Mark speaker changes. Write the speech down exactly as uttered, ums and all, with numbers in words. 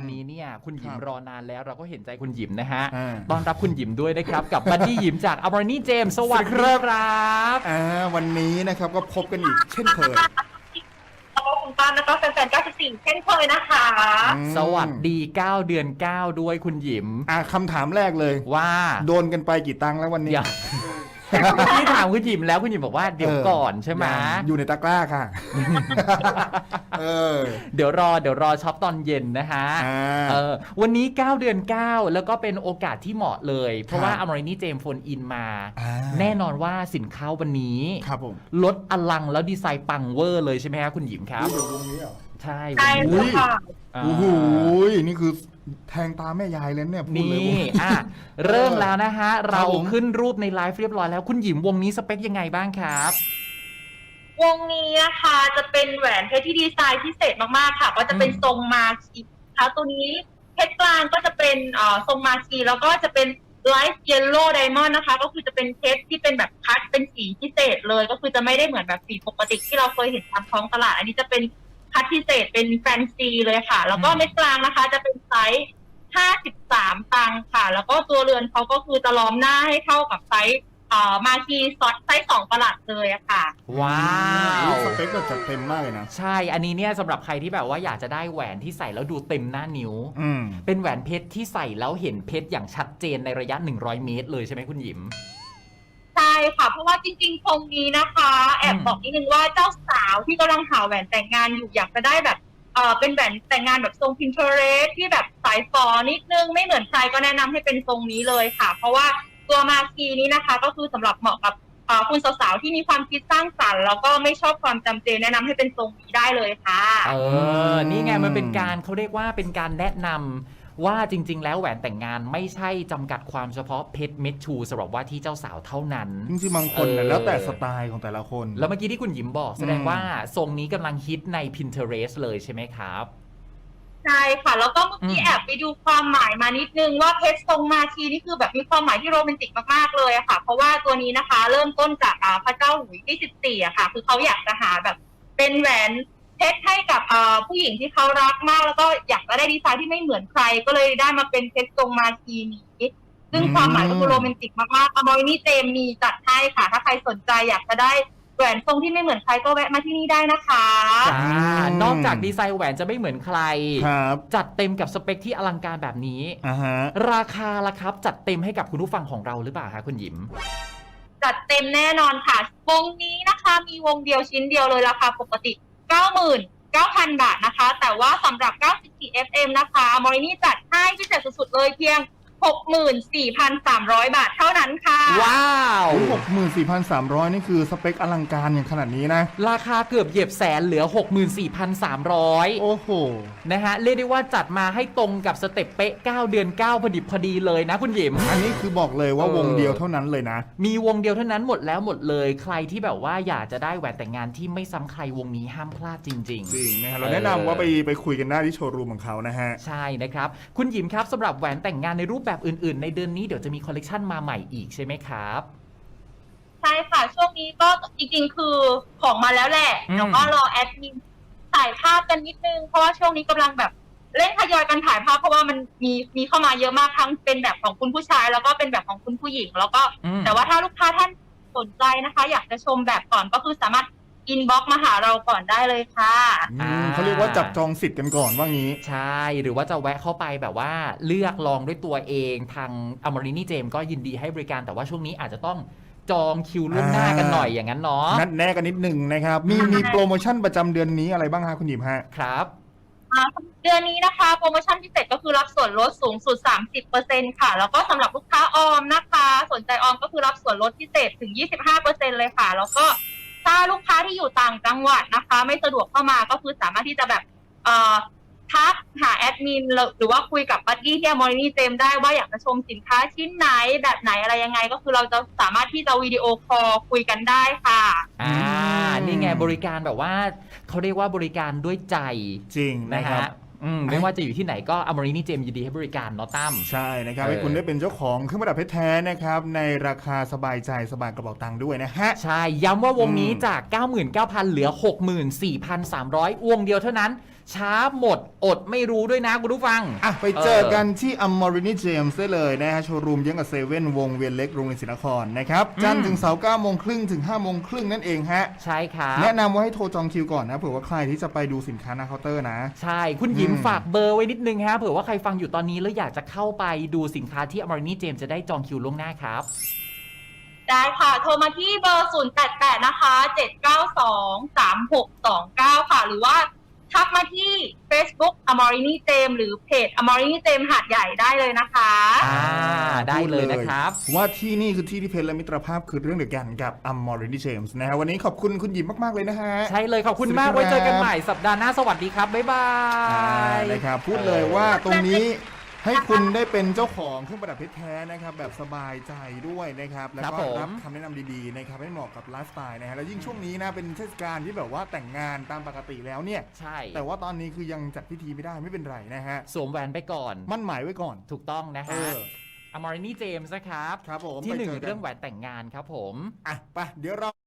Speaker 1: วันนี้เนี่ยคุณหยิม
Speaker 2: ครับ
Speaker 1: รอนานแล้วเราก็เห็นใจคุณหยิมนะฮะ
Speaker 2: อ่า
Speaker 1: ต้อนรับคุณหยิมด้วยนะครับกับบัดดี้หยิมจากอมรนี่เจมส์สวัสดีครับ
Speaker 2: อ่าวันนี้นะครับก็พบกันอีกเช่นเคย
Speaker 3: แล้วก็คุณป้าแล้วก็แฟนๆเก้าสิบสี่เช่นเคยนะคะ
Speaker 2: อืม
Speaker 1: สวัสดีเก้าเดือนเก้าด้วยคุณหยิม
Speaker 2: อ่าคำถามแรกเลย
Speaker 1: ว่า
Speaker 2: โดนกันไปกี่ตังค์แล้ววันนี้
Speaker 1: เดี๋ยวที่ถามคุณหยิมแล้วคุณหยิมบอกว่าเดี๋ยวก่อนใช่ไหม
Speaker 2: ยังอยู่ในตะกร้าค่ะ เออ
Speaker 1: เดี๋ยวรอเดี๋ยวรอช็อปตอนเย็นนะฮะ
Speaker 2: อ่า
Speaker 1: เออวันนี้เก้าเดือนเก้าแล้วก็เป็นโอกาสที่เหมาะเลย เพราะว่า
Speaker 2: ครับ
Speaker 1: อมรนี่เจมส์โฟนอินมา
Speaker 2: อ่า
Speaker 1: แน่นอนว่าสินค้าวันนี้
Speaker 2: ครับผม
Speaker 1: ลดอลังแล้วดีไซน์ปังเวอร์เลยใช่ไหมครับคุณหยิมครับ
Speaker 2: เดี๋ยววงนี้เหรอ
Speaker 1: ใช่
Speaker 3: ใช่
Speaker 1: วันนี้
Speaker 3: ค่ะ
Speaker 1: อ่า
Speaker 2: โอ้โหนี่คือแทงตาแม่ยายเลยเนี่ยพูด
Speaker 1: นี่
Speaker 2: เลยวง
Speaker 1: อ่ะเริ่มแล้วนะฮะ เรา
Speaker 2: ผม
Speaker 1: ขึ้นรูปในไลฟ์เรียบร้อยแล้วคุณหยิมวงนี้สเปคยังไงบ้างครับ
Speaker 3: วงนี้นะคะจะเป็นแหวนเพชรที่ดีไซน์พิเศษมากๆค่ะ ก็จะเป็น
Speaker 1: อืม
Speaker 3: ทรงมาคีค่ะตัวนี้เพชรกลางก็จะเป็นเอ่อทรงมาคีแล้วก็จะเป็นไลท์เยลโล่ไดมอนด์นะคะ ก็คือจะเป็นเพชรที่เป็นแบบคัดเป็นสีพิเศษเลย ก็คือจะไม่ได้เหมือนแบบสีปกติที่เราเคยเห็นตามท้องตลาด อันนี้จะเป็นคัดพิเศษเป็นแฟนซีเลยค่ะ แล้วก็เม็ดกลางนะคะ จะเป็นไซส์ห้าสิบสามตังค์ค่ะ แล้วก็ตัวเรือนเขาก็คือจะล้อมหน้าให้เท่ากับไซส์เอ่อมาคีซอสไซส์สองประหลัดเลยอะค่ะ
Speaker 1: ว้าว
Speaker 2: สเปคแบบจัดเต็มมากเลยนะ
Speaker 1: ใช่ อันนี้เนี่ยสำหรับใครที่แบบว่าอยากจะได้แหวนที่ใส่แล้วดูเต็มหน้านิ้ว
Speaker 2: อืม
Speaker 1: เป็นแหวนเพชรที่ใส่แล้วเห็นเพชรอย่างชัดเจนในระยะหนึ่งร้อยเมตรเลยใช่ไหมคุณหยิม
Speaker 3: ใช่ค่ะ เพราะว่าจริงๆ ตรงนี้นะคะ แอบบอกนิดนึงว่าเจ้าสาวที่กำลังหาแหวนแต่งงานอยู่อยากจะได้แบบเออเป็นแหวนแต่งงานแบบทรง Pinterest ที่แบบสายฟอนิดนึงไม่เหมือนใครก็แนะนำให้เป็นทรงนี้เลยค่ะ เพราะว่าตัวมาคีนี้นะคะ ก็คือสำหรับเหมาะกับเอ่อคุณสาวๆที่มีความคิดสร้างสรรค์แล้วก็ไม่ชอบความจำเจแนะนำให้เป็นทรงนี้ได้เลยค่ะ
Speaker 1: เออ นี่ไงมันเป็นการเขาเรียกว่าเป็นการแนะนำว่าจริง ๆ แล้วแหวนแต่งงานไม่ใช่จำกัดความเฉพาะเพชรเม็ดชูสำหรับว่าที่เจ้าสาวเท่านั้น
Speaker 2: จริงๆบางคนน่ะ
Speaker 1: เออ
Speaker 2: แล้วแต่สไตล์ของแต่ละคน
Speaker 1: แล้วเมื่อกี้ที่คุณหยิมบอกแสดง
Speaker 2: อืม
Speaker 1: ว่าทรงนี้กำลังฮิตใน Pinterest เลยใช่ไหมครับ
Speaker 3: ใช่ค่ะ แล้วก็เมื่อกี้
Speaker 1: อืม
Speaker 3: แอบไปดูความหมายมานิดนึงว่าเพชรทรงมาคีนี่คือแบบมีความหมายที่โรแมนติกมากๆเลยอะค่ะ เพราะว่าตัวนี้นะคะ เริ่มต้นจากอ่าพระเจ้าหลุยส์ที่สิบสี่อะค่ะ คือเขาอยากจะหาแบบเป็นแหวนเพชรให้กับอ่าผู้หญิงที่เขารักมาก แล้วก็อยากจะได้ดีไซน์ที่ไม่เหมือนใคร ก็เลยได้มาเป็นเพชรทรงมาคีนี้ซึ่งความหมายก็คือโรแมนติกมากๆอมรินี่เจมมีจัดให้ค่ะ ถ้าใครสนใจอยากจะได้แหวนทรงที่ไม่เหมือนใครก็แวะมาที่นี่ได้นะคะ
Speaker 1: จ้านอกจากดีไซน์แหวนจะไม่เหมือนใคร
Speaker 2: ครับ
Speaker 1: จัดเต็มกับสเปคที่อลังการแบบนี้
Speaker 2: อ่าฮะ
Speaker 1: ราคาล่ะครับจัดเต็มให้กับคุณผู้ฟังของเราหรือเปล่าคะคุณหยิม
Speaker 3: จัดเต็มแน่นอนค่ะ วงนี้นะคะมีวงเดียวชิ้นเดียวเลยราคาปกติ เก้าหมื่นเก้าพัน บาทนะคะ แต่ว่าสำหรับ เก้าสิบสี่ เอฟ เอ็ม นะคะมอรินี่จัดให้พิเศษสุดๆเลยเพียง หกหมื่นสี่พันสามร้อย บาทเท่านั้นค่ะ
Speaker 1: ว้าว
Speaker 2: หกหมื่นสี่พันสามร้อยนี่คือสเปคอลังการอย่างขนาดนี้นะ
Speaker 1: ราคาเกือบเหยียบแสนเหลือ หกหมื่นสี่พันสามร้อย
Speaker 2: โอ้โห
Speaker 1: นะฮะเรียกได้ว่าจัดมาให้ตรงกับสเต็ปเป๊ะเก้าเดือนเก้าพอดิบพอดีเลยนะคุณหยิม
Speaker 2: อันนี้คือบอกเลยว่า
Speaker 1: เออ
Speaker 2: วงเดียวเท่านั้นเลยนะ
Speaker 1: มีวงเดียวเท่านั้นหมดแล้วหมดเลยใครที่แบบว่าอยากจะได้แหวนแต่งงานที่ไม่ซ้ำใครวงนี้ห้ามพลาดจริง
Speaker 2: จริงนะครับ
Speaker 1: เอ
Speaker 2: เรา
Speaker 1: อ
Speaker 2: แนะนำว่าไปไปคุยกันได้ที่โชว์รูมของเขานะฮะ
Speaker 1: ๆ ใช่นะครับ คุณหยิมครับสำหรับแหวนแต่งงานในรูปแบบอื่นๆ ในเดือนนี้เดี๋ยวจะมีคอลเลกชันมาใหม่อีกใช่ไหมครับ
Speaker 3: ใช่ค่ะ ช่วงนี้ก็จริงๆ คือของมาแล้วแหละ
Speaker 1: อืม
Speaker 3: แล้วก็รอแอดมินถ่ายภาพกันนิดนึง เพราะว่าช่วงนี้กำลังแบบเร่งทยอยกันถ่ายภาพเพราะว่ามันมีมีเข้ามาเยอะมากทั้งเป็นแบบของคุณผู้ชาย แล้วก็เป็นแบบของคุณผู้หญิง แล้วก็
Speaker 1: อืม
Speaker 3: แต่ว่าถ้าลูกค้าท่านสนใจนะคะ อยากจะชมแบบก่อนก็คือสามารถอินบ็อกซ์มาหาเราก่อนได้เลยค่ะ
Speaker 2: อืมเขาเรียกว่าจับจองสิทธิ์กันก่อนว่างี้
Speaker 1: ใช่หรือว่าจะแวะเข้าไปแบบว่าเลือกลองด้วยตัวเองทางอมรินี่เจมก็ยินดีให้บริการแต่ว่าช่วงนี้อาจจะต้องจองคิวล่วงหน้ากันหน่อยอย่างนั้นเนาะ
Speaker 2: นัดแน่กันนิดหนึ่งนะครับ มีมีโปรโมชั่นประจำเดือนนี้อะไรบ้างฮะคุณหยิมฮะ
Speaker 1: ครับ
Speaker 3: อ่าเดือนนี้นะคะโปรโมชั่นพิเศษก็คือรับส่วนลดสูงสุด สามสิบเปอร์เซ็นต์ ค่ะ แล้วก็สำหรับลูกค้าออมนะคะ สนใจออมก็คือรับส่วนลดพิเศษถึง ยี่สิบห้าเปอร์เซ็นต์ เลยค่ะ แล้วก็ถ้าลูกค้าที่อยู่ต่างจังหวัดนะคะ ไม่สะดวกเข้ามาก็คือสามารถที่จะแบบเอ่อทักหาแอดมินหรือว่าคุยกับบัดดี้ที่มอรินี่เจมได้ว่าอยากจะชมสินค้าชิ้นไหนแบบไหนอะไรยังไง ก็คือเราจะสามารถที่จะวิดีโอคอลคุยกันได้ค่ะ
Speaker 1: อ่า
Speaker 2: อืม
Speaker 1: นี่ไงบริการแบบว่าเขาเรียกว่าบริการด้วยใจ
Speaker 2: จริง
Speaker 1: นะ
Speaker 2: นะครั
Speaker 1: ฮะ
Speaker 2: บ
Speaker 1: อืมไม่ว่าจะอยู่ที่ไหนก็อมรินี่เจมยินดีให้บริการเนาะตั้ม
Speaker 2: ใช่นะครับ
Speaker 1: เออ
Speaker 2: ให้คุณได้เป็นเจ้าของเครื่องประดับเพชรแท้นะครับ ในราคาสบายใจสบายกระเป๋าตังค์ด้วยนะฮะ
Speaker 1: ใช่ ย้ำว่าวงนี้
Speaker 2: อืม
Speaker 1: จาก เก้าหมื่นเก้าพัน เหลือ หกหมื่นสี่พันสามร้อย วงเดียวเท่านั้นช้าหมดอดไม่รู้ด้วยนะคุณผู้ฟัง
Speaker 2: อ่ะไปเจอกันที่ Amorini James ได้เลยนะฮะโชว์รูมเยื้องกับเซเว่นวงเวียนเล็กโรงเรียนศรีนครนะครับจันทร์ถึงเสาร์เก้าโมงครึ่งถึงห้าโมงครึ่งนั่นเองฮะ
Speaker 1: ใช่ครับ
Speaker 2: แนะนำว่าให้โทรจองคิวก่อนนะเผื่อว่าใครที่จะไปดูสินค้าหน้าเคาน์เตอร์นะ
Speaker 1: ใช่คุณหยิม
Speaker 2: อืม
Speaker 1: ฝากเบอร์ไว้นิดนึงฮะเผื่อว่าใครฟังอยู่ตอนนี้แล้วอยากจะเข้าไปดูสินค้าที่ Amorini James จะได้จองคิวล่วงหน้าครับ
Speaker 3: ได้ค่ะ โทรมาที่เบอร์ ศูนย์ แปด แปด นะคะ เจ็ด เก้า สอง สาม หก สอง เก้า ค่ะ หรือว่าทักมาที่ Facebook Amorini James หรือเพจ Amorini James หาดใหญ่ได้เลยนะคะ
Speaker 1: อ่าได้เลยนะครับ
Speaker 2: ว่าที่นี่คือที่ที่เพชรและมิตรภาพคือเรื่องเดียวกันกับ Amorini James นะฮะวันนี้ขอบคุณคุณหยิมมากๆเลยนะฮะ
Speaker 1: ใช่เลยขอบคุณมาก
Speaker 2: สวัสดีครับ
Speaker 1: ไว้เจอกันใหม่สัปดาห์หน้าสวัสดีครับ บ๊ายบา
Speaker 2: อ่าย นะครับพูดเลยว่าตรงนี้ให้คุณได้เป็นเจ้าของเครื่องประดับเพชรแท้นะครับแบบสบายใจด้วยนะครับแล้ว
Speaker 1: ครับ
Speaker 2: ก็
Speaker 1: ผม
Speaker 2: รับคำแนะนำดีๆนะครับให้เหมาะกับไลฟ์สไตล์นะฮะแล้วยิ่งช่วงนี้นะเป็นเทศกาลที่แบบว่าแต่งงานตามปกติแล้วเนี่ย
Speaker 1: ใช่
Speaker 2: แต่ว่าตอนนี้คือยังจัดพิธีไม่ได้ไม่เป็นไรนะฮะ
Speaker 1: สวมแหวนไปก่อน
Speaker 2: มั่นหมายไว้ก่อน
Speaker 1: ถูกต้องนะ
Speaker 2: เอ
Speaker 1: ฮะ
Speaker 2: อ
Speaker 1: Amorini James นะครับ
Speaker 2: ครับผม
Speaker 1: ที่หนึ่ง
Speaker 2: ไปจกั
Speaker 1: เรื่องแหวนแต่งงานครับผม
Speaker 2: อ่ะไปเดี๋ยวเรา